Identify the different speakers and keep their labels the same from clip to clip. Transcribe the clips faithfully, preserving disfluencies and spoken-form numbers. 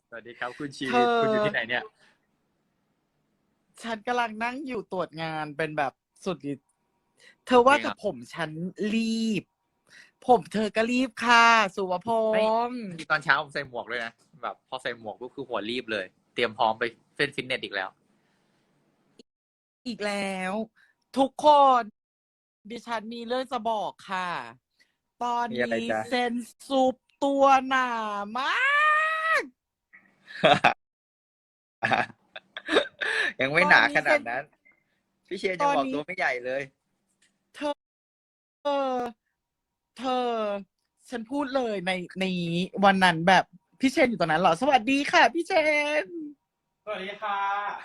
Speaker 1: สวัสดีครับคุณชี
Speaker 2: เธอ
Speaker 1: คุณอยู่ที่ไหนเนี่ย
Speaker 2: ฉันกำลังนั่งอยู่ตรวจงานเป็นแบบสุดฤทธิ์เธอว่า
Speaker 1: เองอ่ะ
Speaker 2: แต่ผมฉันรีบ ผมเธอก็รีบค่ะสุวพ
Speaker 1: ไม่
Speaker 2: งษ์
Speaker 1: ตอนเช้าผมใส่หมวกเลยนะแบบพอใส่หมวกก็คือหัวรีบเลยเตรียมพร้อมไปเล่นฟิตเนสอีกแล้ว
Speaker 2: อีกแล้ว ทุกคนดิฉันมีเรื่องจะบอกค่ะ ตอน
Speaker 1: มีอะไร
Speaker 2: นี้
Speaker 1: จ๊ะ
Speaker 2: เซนซุปตัวหนามาก
Speaker 1: ยังไม่
Speaker 2: ต
Speaker 1: หนาข
Speaker 2: อนนี้เซน
Speaker 1: นาดนั้นพี่เชนยัง
Speaker 2: ตอนนี้
Speaker 1: บอกตัวไม่ใหญ่เลย
Speaker 2: เธอเธอเธอ ฉันพูดเลยในในวันนั้นแบบพี่เชนอยู่ตรงนั้นเหรอ สวัสดีค่ะพี่เชน
Speaker 3: สวัสดีค่ะ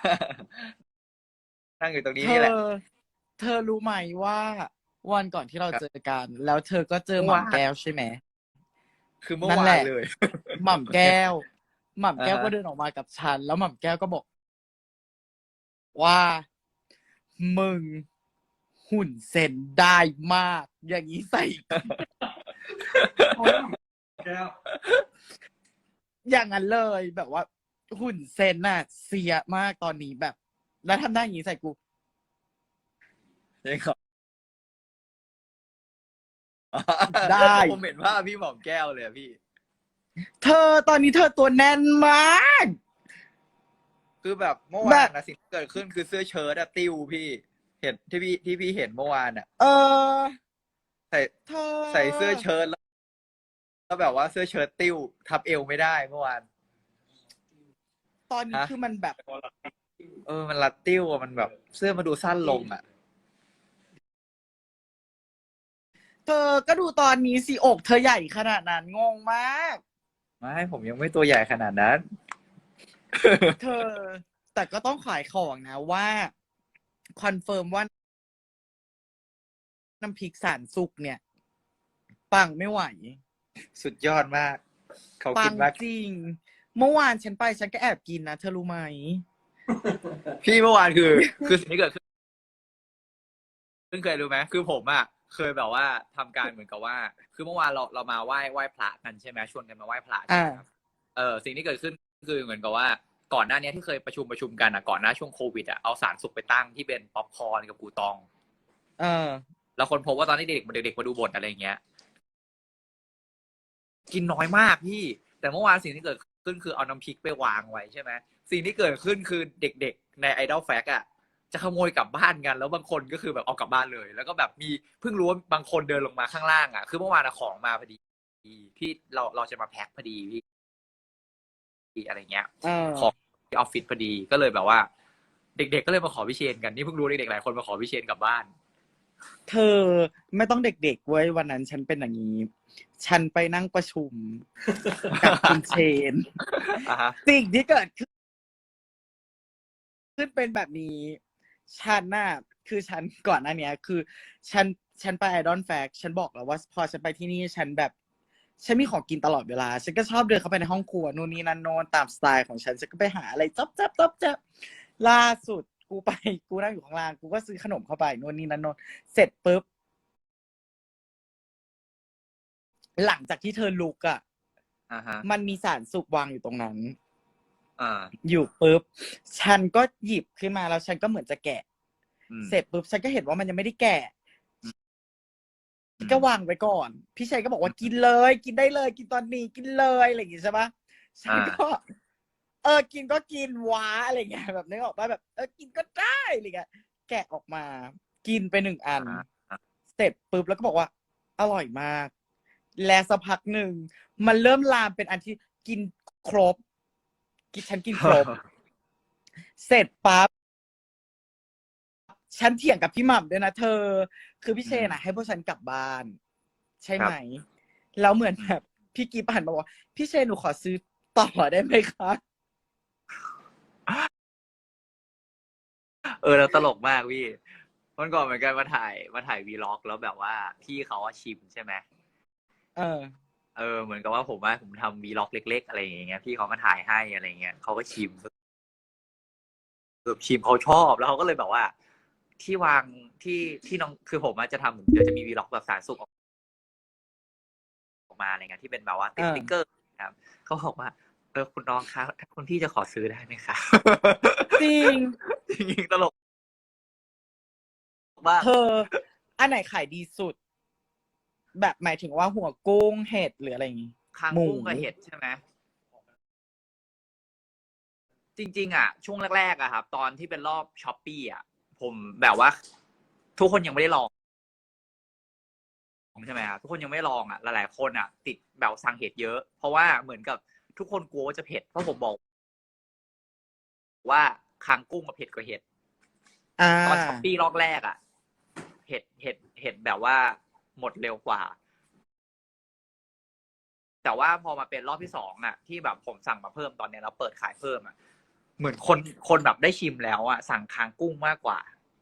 Speaker 1: นั่งอยู่ตรง
Speaker 2: เธ
Speaker 1: นี้นี่แหละ
Speaker 2: อ เธอรู้ไหมว่าวันก่อนที่เรา
Speaker 1: ครับ
Speaker 2: เจอกัน แล้วเธอก็เจอห
Speaker 1: เมื่อวาน
Speaker 2: ม่ำแก้วใช่ไหม
Speaker 1: คือเมื่อ
Speaker 2: นั่นแหละ
Speaker 1: วานเลย
Speaker 2: หม่ำแก้ว หม่ำ
Speaker 1: อ่า
Speaker 2: แก้ว
Speaker 1: ฮะ
Speaker 2: ก็เดินออกมากับฉัน แล้วหม่ำแก้วก็บอกว่ามึงหุ่นเซนได้มาก อย่างนี้ใส่
Speaker 3: โอ้ยแก้ว
Speaker 2: อย่างนั้นเลยแบบว่า หุ่นเซนน่ะเสียมากตอนนี้แบบ แล้วทำได้อย่างนี้ใส่กู
Speaker 1: ยังขอ
Speaker 2: ได้
Speaker 1: ผมเห็นภาพพี่หม่อมแก้วเลยอะพี่
Speaker 2: เธอตอนนี้เธอตัวแน่นมาก
Speaker 1: คือแบบเมื่อ
Speaker 2: แบ
Speaker 1: วาน
Speaker 2: บ
Speaker 1: นะสิ่งที่เกิดขึ้นคือเสื้อเชิ้ตอะติ้วพี่เห็นที่พี่ที่พี่เห็นเมื่อวานอะ
Speaker 2: เออ
Speaker 1: ใส่
Speaker 2: เธอ
Speaker 1: ใส่เสื้อเชิ้ตแล้วแล้วแบบว่าเสื้อเชิ้ตติ้วทับเอวไม่ได้เมื่อวาน
Speaker 2: ตอนนี้
Speaker 1: ฮะ
Speaker 2: คือมันแบบ
Speaker 1: เออมันรัดติ้วอะมันแบบเสื้อมาดูสั้นลงอะ
Speaker 2: เธอก็ดูตอนนี้สิอกเธอใหญ่ขนาดนั้นงงมาก
Speaker 1: ไม่ผมยังไม่ตัวใหญ่ขนาดนั้น
Speaker 2: เธอ แต่ก็ต้องขายของนะว่าคอนเฟิร์มว่าน้ำพริกสารสุกเนี่ย ปังไม่ไหว
Speaker 1: สุดยอดมากเขา
Speaker 2: ปัง
Speaker 1: กินมาก
Speaker 2: จริง เมื่อวานฉันไปฉันก็แอบกินนะเธอรู้ไหม
Speaker 1: พี่เมื่อวานคือ คือสิ่งที่เกิดขึ้นเคยรู้ไหมคือผมอะเคยแบบว่าทำการเหมือนกับว่า คือเมื่อวานเราเรามาไหว้ไหว้พระกันใช่ไหมชวนกันมาไหว้พระใช่ไหมครับเออสิ่งที่เกิดขึ้นคือเหมือนกับว่าก่อนหน้านี้ที่เคยประชุมประชุมกันอะก่อนหน้าช่วงโควิดอะเอาสารสุกไปตั้งที่เป็นป๊อปคอร์นกับกูตอง
Speaker 2: เออ
Speaker 1: แล้วคนพบว่าตอนที่เด็กเด็กๆมาดูบทอะไรเงี้ย กินน้อยมากพี่ แต่เมื่อวานสิ่งที่เกิดขึ้นคือเอาน้ำพริกไปวางไว้ใช่ไหมสิ่งที่เกิดขึ้นคือเด็กๆในไอดอลแฟกอะจะขโมยกลับบ้านกันแล้วบางคนก็คือแบบเอากลับบ้านเลย แล้วก็แบบมีเพิ่งรู้ว่าบางคนเดินลงมาข้างล่างอะคือเมื่อวานของมาพอดีพี่เราเราจะมาแพ็คพอดีพี่อะไรเงี้ย
Speaker 2: เออ
Speaker 1: ของที่ออฟฟิศพอดีก็เลยแบบว่า เด็กๆก็เลยมาขอพี่เชนกันนี่เพิ่งรู้เด็กๆหลายคนมาขอพี่เชนกลับบ้าน
Speaker 2: เธอไม่ต้องเด็กๆเว้ยวันนั้นฉันเป็นอย่างนี้ ฉันไปนั่งประชุมกับคุณเชน
Speaker 1: อ่าฮะ
Speaker 2: สิ่งที่เกิดขึ้นขึ้นเป็นแบบนี้ ฉันน่ะคือฉันก่อนหน้านี้คือ ฉันฉันไปไอดอลแฟกฉันบอกแล้วว่าพอฉันไปที่นี่ฉันแบบ ฉันมีของกินตลอดเวลา ฉันก็ชอบเดินเข้าไปในห้องครัวนู่นนี่นั่นโน่นตามสไตล์ของฉันฉันก็ไปหาอะไรจ๊อบจ๊อบจ๊อบจ๊อบล่าสุดกูไปกูนั่งอยู่ข้างล่างกูก็ซื้อขนมเข้าไปนู่นนี่นั่นโน่นเสร็จปุ๊บหลังจากที่เธอลุกอ่ะ
Speaker 1: อ่าฮะ
Speaker 2: มันมีสารสุกวางอยู่ตรงนั้น
Speaker 1: อ่า
Speaker 2: อยู่ปุ๊บ ฉันก็หยิบขึ้นมาแล้วฉันก็เหมือนจะแกะ
Speaker 1: อืม
Speaker 2: เสร็จปุ๊บ ฉันก็เห็นว่ามันยังไม่ได้แกะ
Speaker 1: อืม
Speaker 2: ฉันก็วางไว้ก่อน พี่ชัยก็บอกว่ากินเลย กินได้เลย กินตอนนี้กินเลยอะไรอย่างงี้ใช่ปะฉันก็ เออ กินก็กินว้าอะไรเงี้ยแบบนึกออกป่ะแบบ เออ กินก็ได้อะไรเงี้ย แกะออกมา กินไปหนึ่งอัน
Speaker 1: อ่า
Speaker 2: เสร็จปุ๊บแล้วก็บอกว่า อร่อยมาก และสักพักหนึ่งมันเริ่มลามเป็นอันที่กินครบ กินฉันกินครบ เสร็จปั๊บ ฉันเถียงกับพี่หม่ำด้วยนะเธอ คือพี่เชน
Speaker 1: อืม
Speaker 2: อะให้พวกฉันกลับบ้าน ใช่
Speaker 1: ครั
Speaker 2: ไห
Speaker 1: บ
Speaker 2: ม แล้วเหมือนแบบพี่กีผ่านมาบอกว่าพี่เชนหนูขอซื้อต่อได้ไหมคะ
Speaker 1: เออแล้วตลกมากพี่วันก่อนเหมือนกันมาถ่ายมาถ่ายวีล็อกแล้วแบบว่าพี่เขาว่าชิมใช่ไหม
Speaker 2: เออ
Speaker 1: เออเหมือนกับว่าผมว่าผมทำวีล็อกเล็กๆอะไรอย่างเงี้ยพี่เขามาถ่ายให้อะไรเงี้ยเขาก็ชิมแบบชิมเขาชอบแล้วเขาก็เลยแบบว่า ที่วางที่ที่น้องคือผมจะทำเดี๋ยวจะมีวีล็อกแบบสารสุกออกมาอะไรเงี้ยที่เป็นแบบว่าติด
Speaker 2: อ่า
Speaker 1: สติ๊กเกอร์ครับเขาบอกว่าเออคุณน้องคะถ้าคุณพี่จะขอซื้อได้ไหมคะ
Speaker 2: จริง
Speaker 1: จริงๆตลกมาก
Speaker 2: เธอ อันไหนขายดีสุด แบบหมายถึงว่าหัวกุ้งเห็ดหรืออะไรอย่างงี้
Speaker 1: คาง
Speaker 2: หมู
Speaker 1: กุ้งกับเห็ดใช่ไหมจริงๆอ่ะช่วงแรกๆอ่ะครับตอนที่เป็นรอบช้อปปี้อ่ะผมแบบว่า ทุกคนยังไม่ได้ลองใช่ไหมครับทุกคนยังไม่ลองอ่ะหลายๆคนอ่ะ ติดแบบสั่งเห็ดเยอะ เพราะว่าเหมือนกับทุกคนกลัวว่าจะเผ็ดเพราะผมบอก ว่าคางกุ้งกับเผ็ดกว่าเห็ด
Speaker 2: อ่า
Speaker 1: ตอนช้อปปี้รอบแรกอ่ะเห็ดเห็ดเห็ดแบบว่าหมดเร็วกว่า แต่ว่าพอมาเป็นรอบที่สองอ่ะ ที่แบบผมสั่งมาเพิ่มตอนเนี้ยแล้วเปิดขายเพิ่มอ่ะเหมือนคนคนแบบได้ชิมแล้วอ่ะสั่งคางกุ้งมากกว่า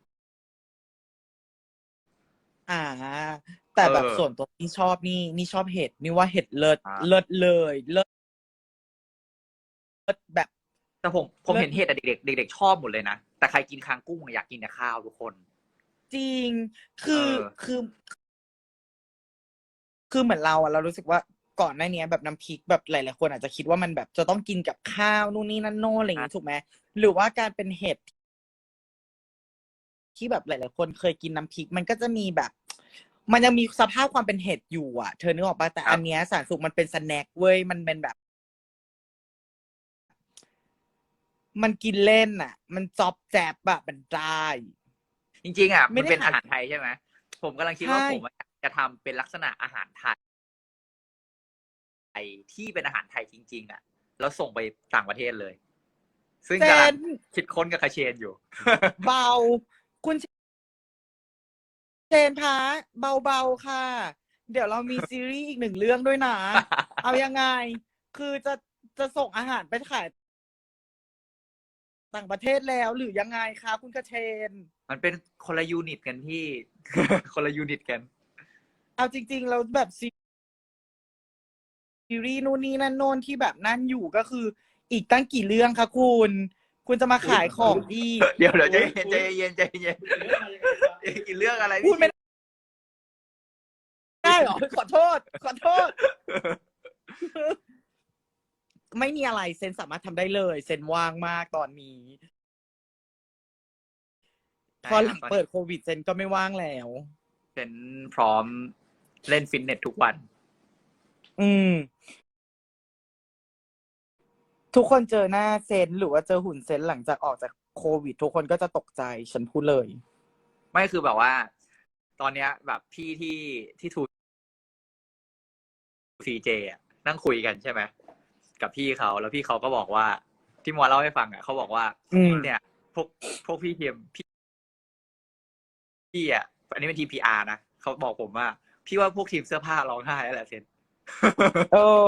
Speaker 2: อ่า แต่แบบ
Speaker 1: เออ
Speaker 2: ส่วนตัวนี่ชอบนี่นี่ชอบเห็ดนี่ว่าเห็ดเลิศ
Speaker 1: อ่า
Speaker 2: เลิศเลยเลิศเลิศแบบ
Speaker 1: แต่ผมผม
Speaker 2: เลิศ
Speaker 1: เห็นเห็ดอะเด็กๆเด็กๆชอบหมดเลยนะแต่ใครกินคางกุ้งอะอยากกินแต่ข้าวทุกคน
Speaker 2: จริง คือ
Speaker 1: เออ
Speaker 2: คือ คือเหมือนเราอะเรารู้สึกว่าก่อนหน้านี้แบบน้ำพริกแบบหลายๆคนอาจจะคิดว่ามันแบบจะต้องกินกับข้าวนู่นนี่นั่นโน่นอะไรอย่างงี้ถูกไหมหรือว่าการเป็นเห็ดที่แบบหลายๆคนเคยกินน้ำพริก มันก็จะมีแบบ มันยังมีสภาพความเป็นเห็ดอยู่อ่ะเธอนึกออกปะแต่
Speaker 1: ครับ
Speaker 2: อันเนี้ยสารสุกมันเป็นสแน็คเว้ยมันเป็นแบบ มันกินเล่นอ่ะ มันจอบแจบแบบมันได้
Speaker 1: จริงๆอ่ะ
Speaker 2: ไม่
Speaker 1: มัน
Speaker 2: ได้
Speaker 1: เป็น
Speaker 2: ขาย
Speaker 1: อาหารไทยใช่ไหมผมกำลังคิดว่า
Speaker 2: ใช่
Speaker 1: ผมอะจะทำเป็นลักษณะอาหารไทยที่เป็นอาหารไทยจริง ๆ อ่ะ แล้วส่งไปต่างประเทศเลย ซึ่ง
Speaker 2: เจ
Speaker 1: กำลัง
Speaker 2: น
Speaker 1: คิดค้นกับคาเชนอยู่
Speaker 2: เบา คุณเชนคะเบาๆค่ะ เดี๋ยวเรามีซีรีส์อีกหนึ่งเรื่องด้วยนะ เอายังไง คือจะจะส่งอาหารไปขายต่างประเทศแล้วหรือยังไงคะคุณกระเชน
Speaker 1: มันเป็นคนละยูนิตกันพี่ คนละยูนิตกัน
Speaker 2: เอาจริง ๆ เราแบบซีรีส์นู่นนี่นั่นโน่นที่แบบนั่นอยู่ก็คืออีกตั้งกี่เรื่องคะคุณ คุณจะมาขายของอีก
Speaker 1: เดี๋ยวเดี๋ยวใจเย็นใจเย็นใจเย็น
Speaker 3: เรื่องอะไรยังไงครับ
Speaker 1: กินเรื่องอะไร
Speaker 2: พูดไม่
Speaker 1: พี่
Speaker 2: ได้เหรอ ขอโทษ ขอโทษ ไม่มีอะไรเซนสามารถทำได้เลย เซนว่างมากตอนนี้ พอหลังเปิดโควิดเซนก็ไม่ว่างแล้ว
Speaker 1: เป็นพร้อมเล่นฟิตเนสทุกวัน
Speaker 2: อืม ทุกคนเจอหน้าเซนหรือว่าเจอหุ่นเซนหลังจากออกจากโควิด ทุกคนก็จะตกใจฉันพูดเลย
Speaker 1: ไม่คือแบบว่า ตอนเนี้ยแบบพี่ที่ที่ทูซีเจอ่ะนั่งคุยกันใช่ไหมกับพี่เขาแล้วพี่เขาก็บอกว่า ที่มัวเล่าให้ฟังอ่ะเขาบอกว่า
Speaker 2: อืม
Speaker 1: เนี่ย พวกพวกพี่เทียมพี่พี่อ่ะอันนี้เป็นทีมพีอาร์นะเขาบอกผมว่า พี่ว่าพวกทีมเสื้อผ้าร้องไห้แล้วแหละเซน
Speaker 2: เออ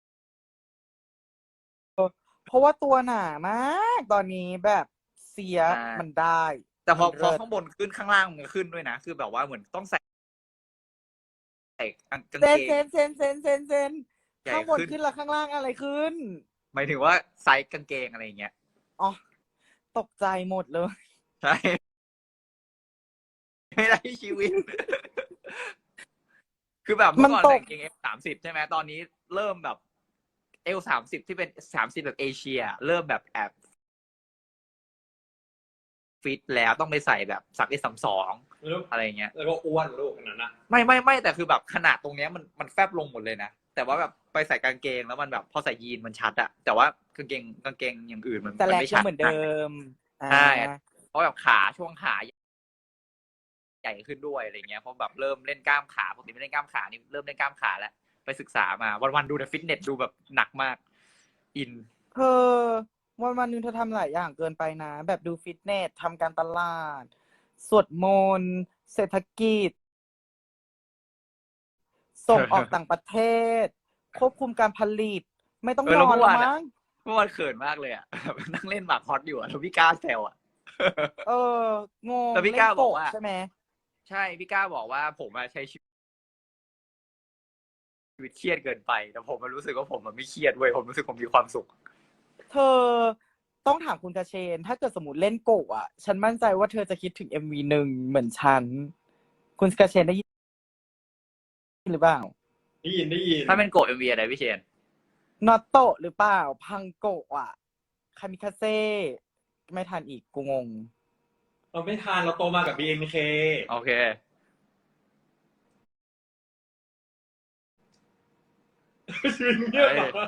Speaker 2: เพราะว่าตัวหนามากตอนนี้แบบเสีย
Speaker 1: ใช่
Speaker 2: มันได้
Speaker 1: แต่พอ
Speaker 2: มัน
Speaker 1: พอ
Speaker 2: เลิศ
Speaker 1: ข้างบนขึ้นข้างล่างมันขึ้นด้วยนะ คือแบบว่าเหมือนต้องใส่ใส่กาง
Speaker 2: เซ
Speaker 1: เก
Speaker 2: น
Speaker 1: ง
Speaker 2: เซนเซนเซนเซนเซน
Speaker 1: ใหญ่
Speaker 2: ข้างบน
Speaker 1: ขึ้น
Speaker 2: ขึ้นแล้วข้างล่างอะไรขึ้น
Speaker 1: หมายถึงว่าไซส์กางเกงอะไรอย่างเงี้ย
Speaker 2: อ๋อ ตกใจหมดเลย
Speaker 1: ใช่ ไม่ได้ชีวิต คือแบบเมื่อก่อน
Speaker 2: มันต
Speaker 1: ใส่
Speaker 2: ก
Speaker 1: กางเกงเอฟสามสิบใช่ไหมตอนนี้เริ่มแบบเอลสามสิบที่เป็นสามสิบแบบเอเชีย เริ่มแบบแอบฟิตแล้วต้องไปใส่แบบสักเอสสามสอง
Speaker 3: แล้ว
Speaker 1: อะไรอย่างเงี้ย
Speaker 3: แล้วก็อ้วนลูกขนาดนั้นนะ
Speaker 1: ไม่ไม่ไม่แต่คือแบบขนาดตรงเนี้ยมันมันแฟบลงหมดเลยนะ แต่ว่าแบบไปใส่กางเกงแล้วมันแบบพอใส่ยีนมันชัดอะแต่ว่ากางเกงกางเกงอย่างอื่นมัน
Speaker 2: แต่
Speaker 1: มัน
Speaker 2: แลก
Speaker 1: ไม่
Speaker 2: ยั
Speaker 1: ชั
Speaker 2: ง
Speaker 1: ด
Speaker 2: เหมือนเดิม อ่า
Speaker 1: ใช่เพราะแบบขาช่วงขาใหญ่ขึ้นด้วยอะไรเงี้ยเพราะแบบเริ่มเล่นกล้ามขาปกติไม่เล่นกล้ามขานี่เริ่มเล่นกล้ามขาแล้วไปศึกษามาวันๆดูแต่ฟิตเนสดูแบบหนักมากอิน
Speaker 2: เธอวันวันหนึงเธอทำหลายอย่างเกินไปนะ แบบดูฟิตเนสทำการตลาด สวดมนต์เศรษฐกิจ ส่งออกต่างประเทศ ควบคุมการผลิต ไม่ต้อง
Speaker 1: เออน แล้ว
Speaker 2: อน
Speaker 1: เมื่อ
Speaker 2: แล้ว
Speaker 1: วานอะ
Speaker 2: มั้ง
Speaker 1: เมื่อวานเขินมากเลยอ่ะ นั่งเล่นหมากฮอตอยู่อ่ะแล้วพี่ก้าแซวอ่ะ
Speaker 2: เอองง
Speaker 1: แต่พี่
Speaker 2: เล่
Speaker 1: ก้าน บอก
Speaker 2: โกะ
Speaker 1: ว่า
Speaker 2: ใช่ไหม
Speaker 1: ใช่พี่ก้าบอกว่าผมอะใช้ชีวิตเครียดเกินไปแต่ผมมันรู้สึกว่าผมมันไม่เครียดเว้ยผมรู้สึกผมมีความสุข
Speaker 2: เธอต้องถามคุณกระเชน ถ้าเกิดสมมติเล่นโกะอ่ะ ฉันมั่นใจว่าเธอจะคิดถึงเอ็มวีหนึ่งเหมือนฉัน คุณกระเชนได้ยินหรือเปล่า
Speaker 3: ได้ยินได้ยิน
Speaker 1: ถ้าเป็นโกะเอ็มวีอะไรพี่เชน
Speaker 2: นอตโตะหรือเปล่า พังโกะอ่ะ คามิคาเซ่ไม่ทันอีกกูงง
Speaker 3: เราไม่ทานเราโตมากับ บี เอ็น เค
Speaker 1: โอเค
Speaker 3: ชีวิตเงียบแบบว่า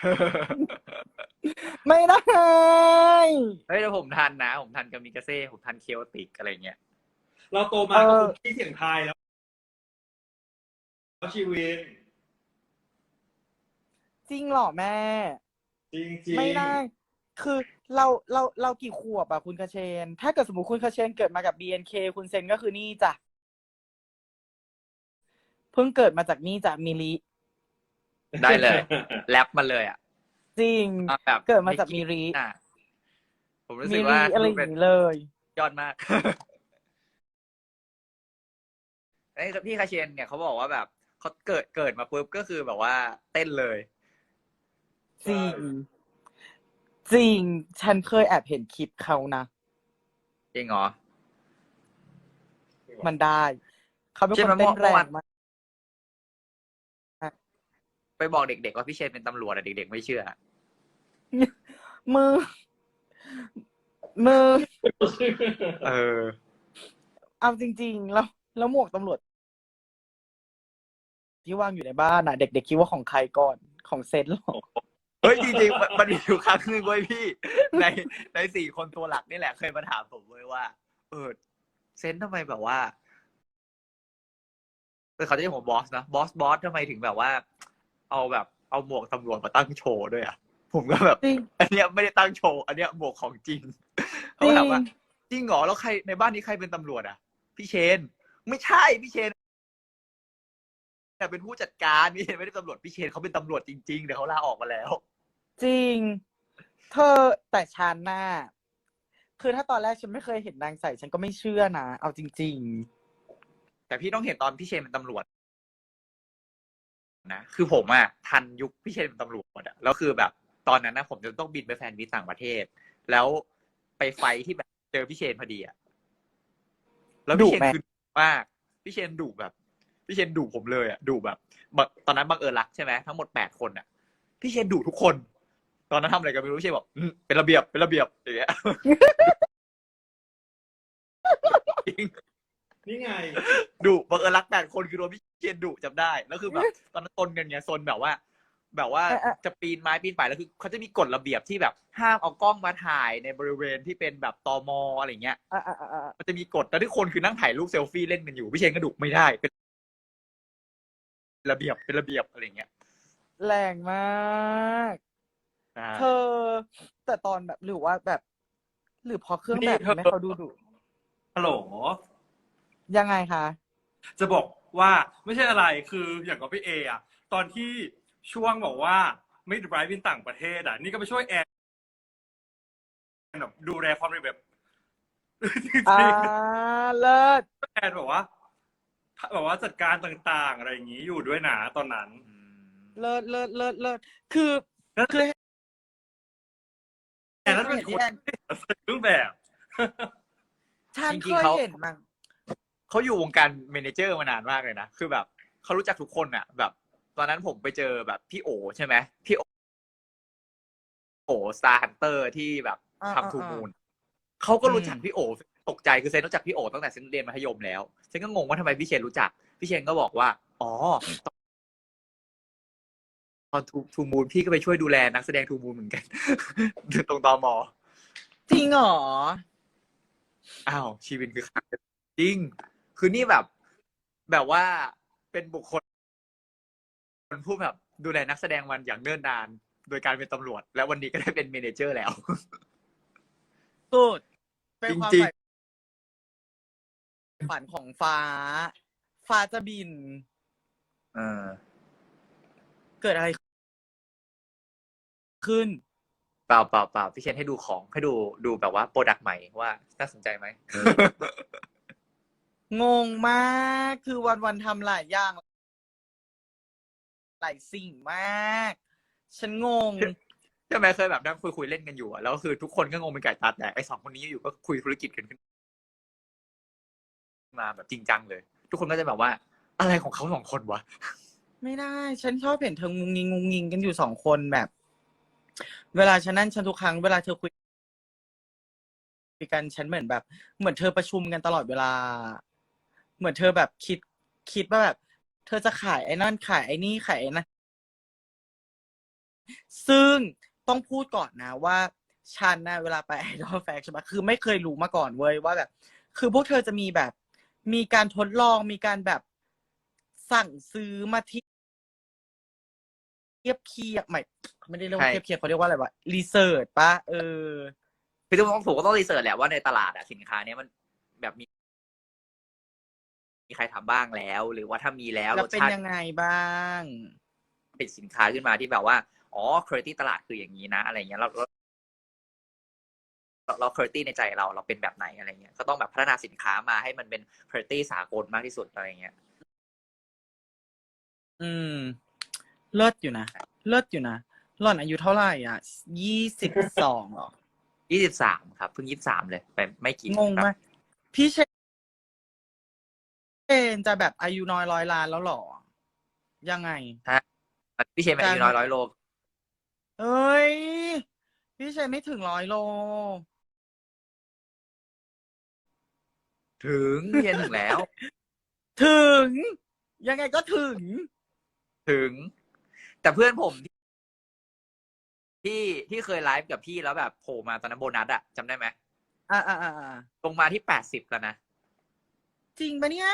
Speaker 2: ไม่ได้
Speaker 1: เฮ้ยแต่ผมทันนะ ผมทันกามิกาเซ่ผมทันเคโอติกอะไรเงี้ย
Speaker 3: เราโตมากับคุกกี้เสียงไทายแล้วชีวิต
Speaker 2: จริงเหรอแม่
Speaker 3: จริงจริง
Speaker 2: ไม่ได้ คือเราเราเรากี่ขวบอะคุณคาเชน ถ้าเกิดสมมติคุณคาเชนเกิดมากับ บี เอ็น เค คุณเซนก็คือนี่จ้ะ เพิ่งเกิดมาจากนี่จ้ะมิลิ
Speaker 1: ได้เลย แรปมาเลยอ่ะ
Speaker 2: จริง
Speaker 1: เอาแบบ
Speaker 2: เกิดมาจากมิริ
Speaker 1: อ่ะผมรู้
Speaker 2: มิ
Speaker 1: สึก
Speaker 2: ลิ
Speaker 1: ว่า
Speaker 2: อะไรอ
Speaker 1: เป็
Speaker 2: ย่าน งนี้เลย
Speaker 1: ยอดมาก ไอ้พี่คาเชนเนี่ยเขาบอกว่าแบบเขาเกิดเกิดมาปุ๊บก็คือแบบว่าเต้นเลย
Speaker 2: จริง จริง ฉันเคยแอบเห็นคลิปเขานะ
Speaker 1: จริงเหรอ
Speaker 2: มันได้ เขาเป็น
Speaker 1: ใช่
Speaker 2: ค
Speaker 1: ไหม
Speaker 2: นเต้น
Speaker 1: เมื่
Speaker 2: แร
Speaker 1: อวาน
Speaker 2: งมาก
Speaker 1: ไปบอกเด็กๆว่าพี่เชนเป็นตำรวจอะเด็กๆไม่เชื่อ
Speaker 2: มือ มือ
Speaker 1: เออ
Speaker 2: เอาจริง ๆ แล้ว แล้วหมวกตำรวจ ที่วางอยู่ในบ้านน่ะ เด็กๆคิดว่าของใครก่อน ของเซนหรอ
Speaker 1: เฮ้ยจริงๆมันมันมีอยู่ครั้งหนึ่งเว้ยพี่ ในในสี่คนตัวหลักนี่แหละเคยมาถามผมเว้ยว่า เออเซนทำไมแบบว่าเออเขาจะเรียกผมบอสนะบอสบอสทำไมถึงแบบว่า เอาแบบเอาหมวกตำรวจมาตั้งโชว์ด้วยอ่ะผมก็แบบ
Speaker 2: จริง
Speaker 1: อันเนี้ยไม่ได้ตั้งโชว์ อันเนี้ยหมวกของจริง
Speaker 2: จ
Speaker 1: เขา
Speaker 2: ริง
Speaker 1: ถามว่าจริงเหรอแล้วใครในบ้านนี้ใครเป็นตำรวจอ่ะ พี่เชน ไม่ใช่พี่เชนแต่เป็นผู้จัดการพี่เชนไม่ได้ตำรวจพี่เชนเขาเป็นตำรวจจริงๆแต่เขาลาออกมาแล้ว
Speaker 2: จริง เธอแต่ฉันน่ะคือถ้าตอนแรกฉันไม่เคยเห็นนางใส่ ฉันก็ไม่เชื่อนะ เอาจริง
Speaker 1: แต่พี่ต้องเห็นตอนพี่เชนเป็นตำรวจนะคือผมอะทันยุคพี่เชนเป็นตำรวจอะแล้วคือแบบ ตอนนั้นนะผมจะต้องบินไปแฟนมิตต่างประเทศ แล้วไปไฟที่แบบเจอพี่เชนพอดีอะแล้วพี่เชน
Speaker 2: ดุไหม
Speaker 1: คือดุมากพี่เชนดุแบบ พี่เชนดุผมเลยอะดุแบบบังตอนนั้นบังเอิญรักใช่ไหมทั้งหมดแปดคนอะพี่เชนดุทุกคน ตอนนั้นทำอะไรกันไม่รู้พี่เชนบอกอืมเป็นระเบียบเป็นระเบียบอย่างเงี้ย จริง
Speaker 3: นี่ไง
Speaker 1: ดุบังเอิญรักแปดคนคือโดนพี่เชนดุจำได้แล้วคือแบบตอนนั้นตนกันไงซนแบบว่า แบบว่า
Speaker 2: เออเออ
Speaker 1: จะปีนไม้ปีนป่ายแล้วคือเขาจะมีกฎระเบียบที่แบบห้ามเอากล้องมาถ่ายในบริเวณที่เป็นแบบตมอะไรเงี้ย
Speaker 2: ๆอ่ะอ่ะอ่ะอ่ะ
Speaker 1: มันจะมีกฎแต่ทุกคนคือนั่งถ่ายรูปเซลฟี่เล่นกันอยู่พี่เชนก็ดุไม่ได้เป็นระเบียบเป็นระเบียบอะไรเงี้ย
Speaker 2: แรงมาก
Speaker 1: ใช่
Speaker 2: เธอ แต่ตอนแบบหรือว่าแบบ หรือพอเครื่องแบบ
Speaker 3: นี่เธอ
Speaker 2: ทำให้เขาดูดุ
Speaker 3: ฮัลโหล
Speaker 2: ยังไงคะ
Speaker 3: จะบอกว่าไม่ใช่อะไรคืออย่างกับพี่เออะตอนที่ช่วงบอกว่าไม่ไดรฟ์บินต่างประเทศอะนี่ก็ไปช่วยแอนแบบดูแลความเร็วแบบ จริง
Speaker 2: อ่า เลิศ
Speaker 3: ๆแอนแบบว่าแบบว่าจัดการต่างๆ อะไรอย่างนี้อยู่ด้วยนะตอนนั้น
Speaker 1: อืม
Speaker 2: เลิศเลิศเลิศเลิศคือ คือ
Speaker 3: แอนนั้นเป็น
Speaker 2: เห็น
Speaker 3: ค
Speaker 2: ที่
Speaker 3: น
Speaker 2: แอน
Speaker 3: ใส่เครื่องแบบ
Speaker 2: ฉัน
Speaker 1: จ
Speaker 2: เค
Speaker 1: ริงๆ
Speaker 2: ย
Speaker 1: เขา
Speaker 2: เห็นมั้ง
Speaker 1: เขาอยู่วงการเมเนเจอร์มานานมากเลยนะคือแบบเขารู้จักทุกคนอะแบบ ตอนนั้นผมไปเจอแบบพี่โอใช่ไหมพี่โอโอสตาร์ฮันเตอร์ที่แบบ
Speaker 2: อ่า
Speaker 1: ทำทู
Speaker 2: อ่า
Speaker 1: มูนเขาก็รู้จัก
Speaker 2: อืม
Speaker 1: พี่โอตกใจคือเซนรู้จักพี่โอตั้งแต่เซนเรียนมัธยมแล้วเซนก็งงว่าทำไมพี่เชนรู้จักพี่เชนก็บอกว่าอ๋อตอนทูทูมูนพี่ก็ไปช่วยดูแลนักแสดงทูมูนเหมือนกัน ตรงตม
Speaker 2: จริงเหรอ
Speaker 1: อ้าวชีวิตคือขาดจริง คือนี่แบบ แบบว่าเป็นบุคคลผู้แบบดูแลนักแสดงมันอย่างเนิ่นนาน โดยการเป็นตำรวจ แล้ววันนี้ก็ได้เป็นเมเนเจอร์แล้ว
Speaker 2: สุด เป็นความ
Speaker 1: จริง
Speaker 2: ใฝ่ฝันของฟ้า ฟ้าจะบิน
Speaker 1: เออ
Speaker 2: เกิดอะไรขึ้น
Speaker 1: เปล่าเปล่าเปล่าพี่เชนให้ดูของให้ดูดูแบบว่าโปรดักต์ใหม่ว่าน่าสนใจไหม
Speaker 2: งงมาก คือวันวันๆทำหลายอย่าง หลายสิ่งมาก ฉันงง
Speaker 1: ใช่ไหมเคยแบบนั่งคุยคุยเล่นกันอยู่อะแล้วคือทุกคนก็งงเป็นไก่ตาแตกไอ้สองคนนี้อยู่ก็คุยธุรกิจกันขึ้นมาแบบจริงจังเลย ทุกคนก็จะแบบว่าอะไรของเขาสองคนวะ
Speaker 2: ไม่ได้ ฉันชอบเห็นเธองุงงิงงุงงิงกันอยู่สองคนแบบ เวลาฉันนั่นฉันทุกครั้งเวลาเธอคุยกันฉันเหมือนแบบ เหมือนเธอประชุมกันตลอดเวลา เหมือนเธอแบบคิดคิดว่าแบบ เธอจะขายไอ้นั่นขายไอ้นี่ขายไอ้นั่นซึ่งต้องพูดก่อนนะว่าฉันนะเวลาไปไอดอลแฟกใช่ไหมคือไม่เคยรู้มาก่อนเว้ยว่าแบบ คือพวกเธอจะมีแบบ มีการทดลองมีการแบบสั่งซื้อมาที่เทียบเคียบไม่เขาไม่ได้เรียกว่า
Speaker 1: ใช่
Speaker 2: เทียบเคียบเขาเรียกว่าอะไรวะรีเสิร์ชปะเออ
Speaker 1: คือต้องผมก็ต้องรีเสิร์ชแหละว่าในตลาดอะสินค้าเนี้ยมันแบบมีมีใครทำบ้างแล้ว หรือว่าถ้ามีแล้ว
Speaker 2: แล้ว
Speaker 1: รส
Speaker 2: เป็น
Speaker 1: ชาติ
Speaker 2: ยังไงบ้าง
Speaker 1: เป็นสินค้าขึ้นมาที่แบบว่าอ๋อคุณภาพตลาดคืออย่างนี้นะอะไรเงี้ยเราเราเราคุณภาพในใจเราเราเป็นแบบไหนอะไรเงี้ยก็ต้องแบบพัฒนาสินค้ามาให้มันเป็นคุณภาพสากลมากที่สุดอะไรเงี้ย
Speaker 2: อืม เลิศอยู่นะ เลิศอยู่นะหล่อนอายุเท่าไหร่อ่ะยี่สิบสองหรอ
Speaker 1: ยี่สิบสามครับเพิ่งยี่สิบสามเลยไปไม่กี่
Speaker 2: งงไหมพี่เชนจะแบบอายุน้อยร้อยล้านแล้วหรอ ยังไง
Speaker 1: พี่เชนเป็นอายุน้อยร้อยโล
Speaker 2: เอ้ย พี่เชนไม่ถึงร้อยโล
Speaker 1: ถึงพี่เชนถึงแล้ว
Speaker 2: ถึง ยังไงก็ถึง
Speaker 1: ถึง แต่เพื่อนผมที่ที่เคยไลฟ์กับพี่แล้วแบบโผล่มาตอนนั้นโบนัสอะจำได้ไหม
Speaker 2: อ่าอ่าอ่า
Speaker 1: ลงมาที่แปดสิบแล้วนะ
Speaker 2: จริงปะเนี่ย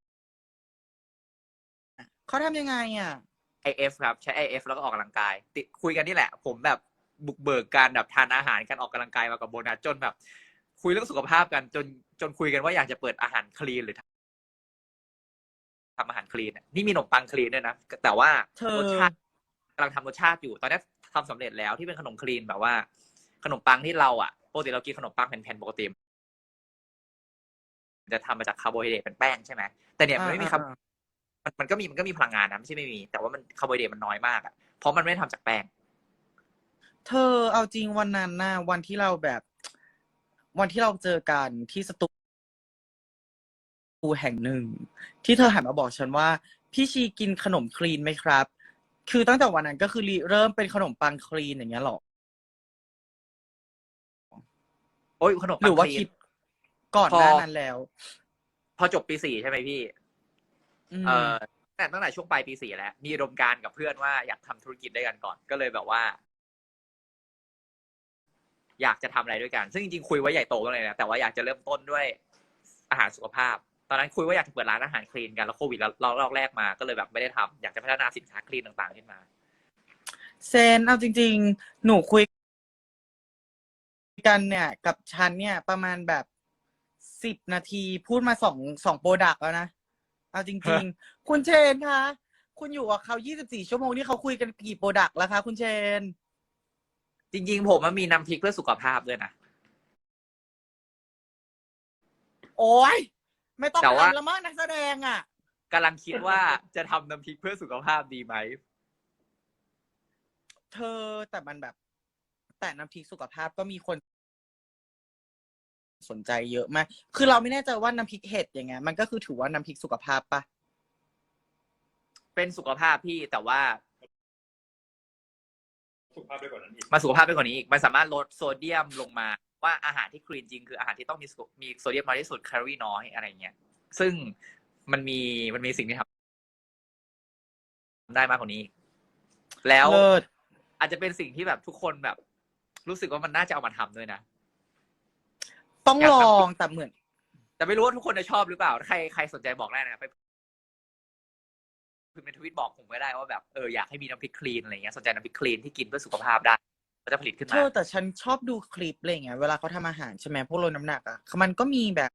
Speaker 2: เขาทำยังไงอ่ะ
Speaker 1: ไอ เอฟ ครับใช้ ไอ เอฟ แล้วก็ออกกำลังกายติดคุยกันนี่แหละ ผมแบบบุกเบิกการแบบทานอาหารการออกกำลังกายมากับโบนัสจนแบบ คุยเรื่องสุขภาพกันจนจนคุยกันว่าอยากจะเปิดอาหารคลีนหรือทำอาหารคลีนนี่มีขนมปังคลีนด้วยนะแต่ว่า
Speaker 2: เธอ
Speaker 1: รสชาติกำลังทำรสชาติอยู่ตอนนี้ทำสำเร็จแล้วที่เป็นขนมคลีนแบบว่า ขนมปังที่เราอ่ะปกติเรากินขนมปังแผ่นๆปกติจะทำมาจากคาร์โบไฮเดรตเป็นแป้งใช่ไหมแต่เนี่ยมันไม่มีคาร์มันมันก็มีมันก็มีพลังงานนะไม่ใช่ไม่มีแต่ว่ามันคาร์โบไฮเดรตมันน้อยมากอ่ะเพราะมันไม่ได้ทำจากแป้ง
Speaker 2: เธอเอาจริงวันนั้นน่ะวันที่เราแบบ วันที่เราเจอกันที่สตูแห่งหนึ่ง ที่เธอหันมาบอกฉันว่า พี่ชีกินขนมคลีนไหมครับ คือตั้งแต่วันนั้นก็คือเริ่มเป็นขนมปังคลีนอย่างเงี้ยหรอ
Speaker 1: โอ้ยขนม
Speaker 2: ห
Speaker 1: ปั
Speaker 2: รื
Speaker 1: ง
Speaker 2: อว่า
Speaker 1: คลีน
Speaker 2: คิดก่อน
Speaker 1: พอ
Speaker 2: หน้านั้นแล้ว
Speaker 1: พอจบปีสี่ใช่ไหมพี่
Speaker 2: อืม
Speaker 1: เออแต่ตั้งแต่ช่วงปลายปีสี่แล้วมีอุดมการณ์กับเพื่อนว่าอยากทำธุรกิจด้วยกันก่อนก็เลยแบบว่า อยากจะทำอะไรด้วยกัน ซึ่งจริงๆคุยไว้ใหญ่โตกันเลยนะแต่ว่าอยากจะเริ่มต้นด้วยอาหารสุขภาพ ตอนนั้นคุยว่าอยากจะเปิดร้านอาหารคลีนกันแล้วโควิดเราเราแรกมาก็เลยแบบไม่ได้ทำอยากจะพัฒนาสินค้าคลีนต่างๆขึ้นมา
Speaker 2: เซนเอาจริง ๆ หนูคุยกันเนี่ย กับฉันเนี่ย ประมาณแบบสิบนาทีพูดมาสองสองโปรดักต์แล้วนะ เอาจริง ๆ คุณเชนคะคุณอยู่กับเขายี่สิบสี่ชั่วโมงนี่เขาคุยกันกี่โปรดักต์แล้วคะคุณเชน
Speaker 1: จริงๆผมมันมีน้ำพริกเพื่อสุขภาพด้วยนะ
Speaker 2: โอ้ยไม่ต้อง
Speaker 1: แต่ว่า
Speaker 2: ทำแล้วมั้งนักแสดงอ่ะ
Speaker 1: กำลังคิดว่าจะทำน้ำพริกเพื่อสุขภาพดีไหม
Speaker 2: เธอแต่มันแบบ แต่น้ำพริกสุขภาพก็มีคนสนใจเยอะมาก คือเราไม่แน่ใจว่าน้ำพริกเห็ดอย่างเงี้ยมันก็คือถือว่าน้ำพริกสุขภาพปะ
Speaker 1: เป็นสุขภาพพี่แต่ว่า
Speaker 3: สุขภาพด้วยกว่านั้นอีก
Speaker 1: มาสุขภาพไปกว่านี้อีกมันสามารถลดโซเดียมลงมาว่าอาหารที่คลีนจริงคืออาหารที่ต้องมีมีโซเดียมน้อยที่สุดแคลอรี่น้อยอะไรเงี้ยซึ่งมันมีมันมีสิ่งที่ทำได้มากกว่านี้ แล้ว
Speaker 2: เลิศ
Speaker 1: อาจจะเป็นสิ่งที่แบบทุกคนแบบ รู้สึกว่ามันน่าจะเอามาทำด้วยนะ
Speaker 2: ต้อง
Speaker 1: อยาก
Speaker 2: ล
Speaker 1: ทำ
Speaker 2: องแต่เหมือน
Speaker 1: แต่ไม่รู้ว่าทุกคนจะชอบหรือเปล่าใครใครสนใจบอกได้นะครับไปคือเป็นทวิตบอกผมก็ได้ว่าแบบเอออยากให้มีน้ำพริกคลีนอะไรเงี้ยสนใจน้ำพริกคลีนที่กินเพื่อสุขภาพได้ก็จะผลิตขึ้น
Speaker 2: เธ
Speaker 1: มา
Speaker 2: อแต่ฉันชอบดูคลิปอะไรเงี้ยเวลาเขาทำอาหารใช่ไหมพวกลดน้ำหนักอ่ะมันก็มีแบบ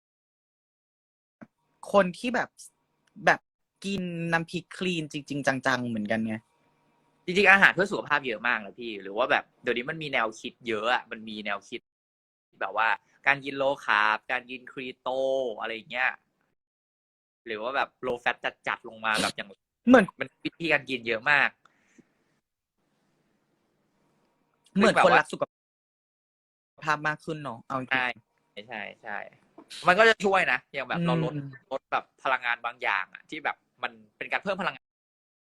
Speaker 2: คนที่แบบแบบกินน้ำพริกคลีนจริง ๆ จังๆเหมือนกันไง
Speaker 1: จริงๆอาหารเพื่อสุขภาพเยอะมากเลยพี่หรือว่าแบบเดี๋ยวนี้มันมีแนวคิดเยอะอ่ะมันมีแนวคิดแบบว่าการกินโลคาร์บการกินครีโตอะไรเงี้ยหรือว่าแบบโลแฟตจัดๆลงมาแบบอย่าง
Speaker 2: เหมือน
Speaker 1: มันวิธีการกินเยอะมาก
Speaker 2: เหมือน
Speaker 1: แบบ
Speaker 2: คน
Speaker 1: ว่า
Speaker 2: รักสุขภาพมากขึ้นเนาะเอาจริง
Speaker 1: ใช่ใช่ใช่มันก็จะช่วยนะอย่างแบบเราลด
Speaker 2: อืม
Speaker 1: ลดแบบพลังงานบางอย่างอ่ะที่แบบมันเป็นการเพิ่มพลังงาน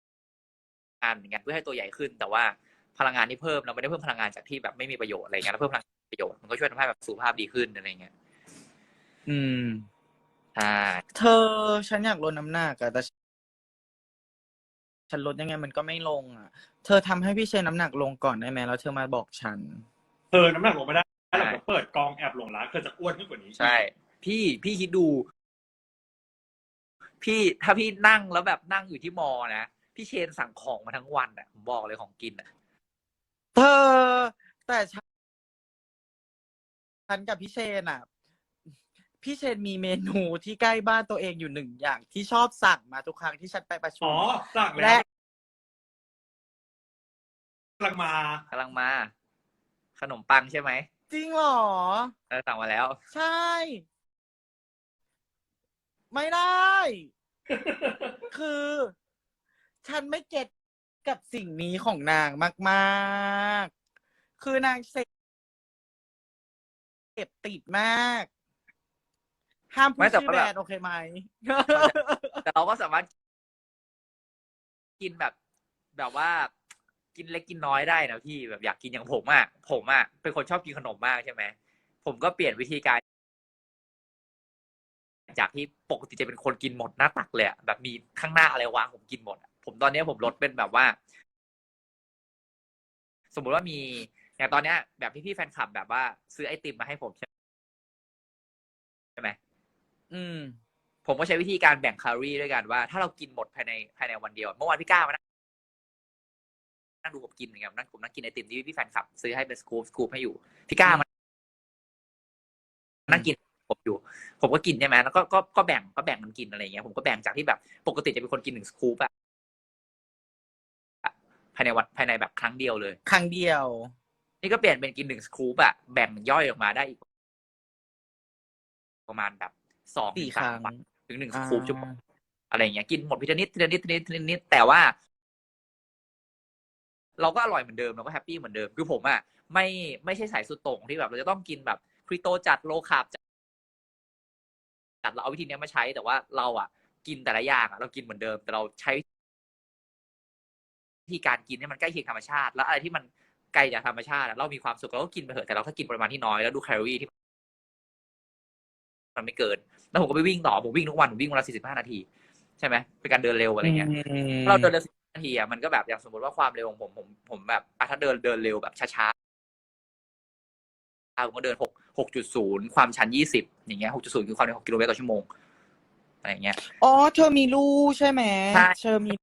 Speaker 1: านเหมือนกันเพื่อให้ตัวใหญ่ขึ้น แต่ว่าพลังงานที่เพิ่มเราไม่ได้เพิ่มพลังงานจากที่แบบไม่มีประโยชน์อะไรเงี้ยเราเพิ่มพลังประโยชน์มันก็ช่วยทำให้แบบสุขภาพดีขึ้นอะไรเงี้ย
Speaker 2: อืม
Speaker 1: ใช่
Speaker 2: เธอฉันอยากลดน้ำหนักอะแต่ฉันลดยังไงมันก็ไม่ลงอะเธอทำให้พี่เชนน้ำหนักลงก่อนได้ไหมแล้วเธอมาบอกฉัน
Speaker 3: เธอน้ำหนักลงไม่ได้หลังจากเปิดกองแอบหลงรักเธอจะอ้วนขึ้นกว่านี้
Speaker 1: ใช่ พี่พี่คิดดู พี่ถ้าพี่นั่งแล้วแบบนั่งอยู่ที่มอนะพี่เชนสั่งของมาทั้งวันอ่ะผมบอกเลยของกินอ่ะ
Speaker 2: เธอแต่ฉันฉันกับพี่เชนอ่ะ พี่เชนมีเมนูที่ใกล้บ้านตัวเองอยู่หนึ่งอย่างที่ชอบสั่งมาทุกครั้งที่ฉันไปประชุ
Speaker 3: อ๋อ
Speaker 2: ม
Speaker 3: สั่งแล้
Speaker 2: และ
Speaker 3: วกำลังมาก
Speaker 1: ำลังมา ขนมปังใช่ไหม
Speaker 2: จริงเหรอ
Speaker 1: เออสั่งมาแล้ว
Speaker 2: ใช่ ไม่ได้ คือ ฉันไม่เก็ตกับสิ่งนี้ของนางมากๆ คือนางเสพติดมาก ห้ามพู
Speaker 1: ไม่
Speaker 2: ด
Speaker 1: แต่
Speaker 2: ชื่อ
Speaker 1: ว่า
Speaker 2: แบร
Speaker 1: แบบ
Speaker 2: นด์โอเคไหม
Speaker 1: แต่เราก็สามารถกินแบบ แบบว่ากินเล็กกินน้อยได้นะพี่แบบอยากกินอย่างผมอ่ะผมอ่ะเป็นคนชอบกินขนมมากใช่ไหมผมก็เปลี่ยนวิธีการ จากที่ปกติจะเป็นคนกินหมดหน้าตักเลยอะแบบมีข้างหน้าอะไรวางผมกินหมดอะผมตอนนี้ผมลดเป็นแบบว่า สมมุติว่ามีอย่างตอนเนี้ย แบบพี่ๆแฟนคลับแบบว่าซื้อไอติมมาให้ผมใช่ไหม
Speaker 2: อืม
Speaker 1: ผมก็ใช้วิธีการแบ่งแคลอรี่ด้วยกันว่าถ้าเรากินหมดภายในภายในวันเดียวเมื่อวานพี่ก้ามานั่งดูผมกินอย่างเงี้ยนั่งผมนั่งกินไอติมที่พี่แฟนคลับซื้อให้เป็นสกู๊ปสกู๊ปให้อยู่พี่ก้ามานั่งกินผมอยู่ ผมก็กินใช่ไหมแล้วก็ก็ก็แบ่งก็แบ่งกันกินอะไรเงี้ยผมก็แบ่งจากที่แบบปกติจะเป็นคนกินหนึ่งสกู๊ปอะภายในวันภายในแบบครั้งเดียวเลย
Speaker 2: ครั้งเดียว
Speaker 1: นี่ก็เปลี่ยนเป็นกินหนึ่งสกู๊ปอะแบ่งย่อยออกมาได้อีกประมาณแบบสองถึ
Speaker 2: สี่
Speaker 1: ง
Speaker 2: ค
Speaker 1: สา
Speaker 2: รั้
Speaker 1: ม
Speaker 2: ง
Speaker 1: วันถึงหนึ่งสกู๊ป
Speaker 2: อ่า
Speaker 1: ชั่วโมงอะไรเงี้ยกินหมดทีละนิดทีละนิดทีละนิดทีละนิดแต่ว่า เราก็อร่อยเหมือนเดิมเราก็แฮปปี้เหมือนเดิมคือผมอะไม่ไม่ใช่สายสุดโต่งที่แบบเราจะต้องกินแบบครีโตจัดโลคาร์บจัดเราเอาวิธีนี้มาใช้แต่ว่าเราอะกินแต่ละอย่างอะเรากินเหมือนเดิมแต่เราใช้วิธีการกินให้มันใกล้เคียงธรรมชาติแล้วอะไรที่มันไกลจากธรรมชาติเรามีความสุขเราก็กินไปเถอะแต่เราถ้ากินปริมาณที่น้อยแล้วดูแคลอรี่ที่มันไม่เกินแล้วผมก็ไปวิ่งต่อผมวิ่งทุกวันผมวิ่งวันละสี่สิบห้านาทีใช่ไหมเป็นการเดินเร็วอะไรเงี้ย ถ้าเราเดินเร็วสิบนาทีอ่ะมันก็แบบอย่างสมมติว่าความเร็วของผมผมผมแบบถ้าเดินเดินเร็วแบบช้าๆผมก็เดินหกหกจุดศูนย์ความชันยี่สิบอย่างเงี้ยหกจุดศูนย์คือความเร็วหกกิโลเมตรต่อชั่วโมงอะไรอย่างเงี้ย
Speaker 2: อ๋อ เธอมีลูกใช่ไหม
Speaker 1: ใช่
Speaker 2: เธอมี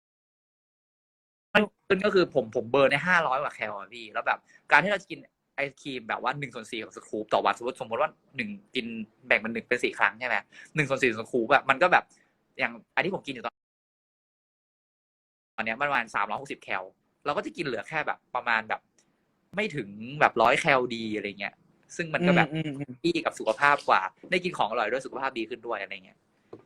Speaker 1: ซึ่งก็คือผมผมเบิร์นได้ห้าร้อยกว่าแคลอะพี่แล้วแบบการที่เราจะกินไอศครีมแบบว่าหนึ่งส่วนสี่ของสกู๊ปต่อวันสมมติสมมติว่าหนึ่งกินแบ่งเป็นหนึ่งเป็นสี่ครั้งใช่ไหมหนึ่งส่วนสี่ของสกู๊ปแบบมันก็แบบอย่างอันที่ผมกินอยู่ตอนตอนเนี้ยประมาณสามร้อยหกสิบแคลเราก็จะกินเหลือแค่แบบประมาณแบบไม่ถึงแบบร้อยแคลดีอะไรเงี้ยซึ่งมันก็แบบ
Speaker 2: อืมอืม
Speaker 1: ดีกับสุขภาพกว่าได้กินของอร่อยด้วยสุขภาพดีขึ้นด้วยอะไรเงี้ย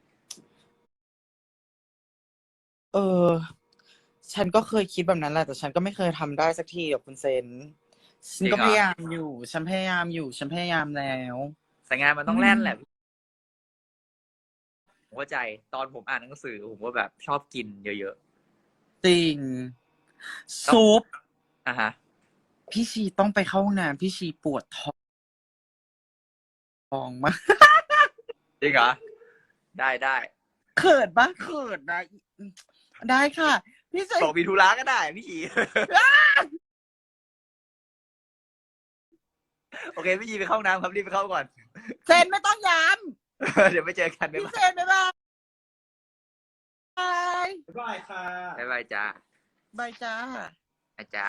Speaker 2: เออ ฉันก็เคยคิดแบบนั้นแหละแต่ฉันก็ไม่เคยทำได้สักทีกับคุณเซนฉันก็
Speaker 1: จริงเหรอ
Speaker 2: พยายามอยู่ ฉันพยายามอยู่ ฉันพยายามแล้ว
Speaker 1: สายงานมันต้องแล่นแหละผมเข้าใจตอนผมอ่านหนังสือผมก็แบบชอบกินเยอะ
Speaker 2: จริง ซุป
Speaker 1: ๆอ่ะฮะ
Speaker 2: พี่ชีต้องไปเข้าห้องน้ำพี่ชีปวดท้องมาก
Speaker 1: จริงเหรอได้ได้
Speaker 2: เขินปะเขินนะได้ค่ะ พี่เซน
Speaker 1: บอกมีธุระก็ได้พี่ชี โอเคพี่ชีไปเข้าห้องน้ำครับรีบไปเข้าก่อน
Speaker 2: เซนไม่ต้องย้
Speaker 1: เดี๋ยวไปเจอกัน
Speaker 2: ำ
Speaker 1: บ๊าย
Speaker 2: พี่
Speaker 1: บา
Speaker 2: เซ
Speaker 1: ย
Speaker 2: นบ๊ายบาย
Speaker 3: บ๊ายบายค่ะ
Speaker 1: บ๊ายบายจ้า
Speaker 2: บายจ้า
Speaker 1: อาจ้า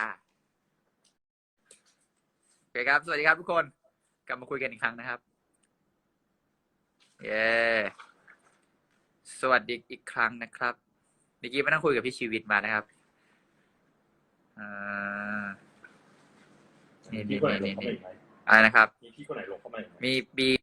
Speaker 1: โอเคครับ สวัสดีครับทุกคน กลับมาคุยกันอีกครั้งนะครับ เย้สวัสดีอีกครั้งนะครับเมื่อกี้มานั่งคุยกับพี่ชีวิตมานะครับอ่านี่
Speaker 3: พี่
Speaker 1: นี่
Speaker 3: คนไหนล
Speaker 1: นี่
Speaker 3: งเข้า
Speaker 1: นี่
Speaker 3: มาอีกไหม
Speaker 1: อะไรนะครับ
Speaker 3: มีพี่คนไหนลงเข้ามาอีกไหม
Speaker 1: มีบี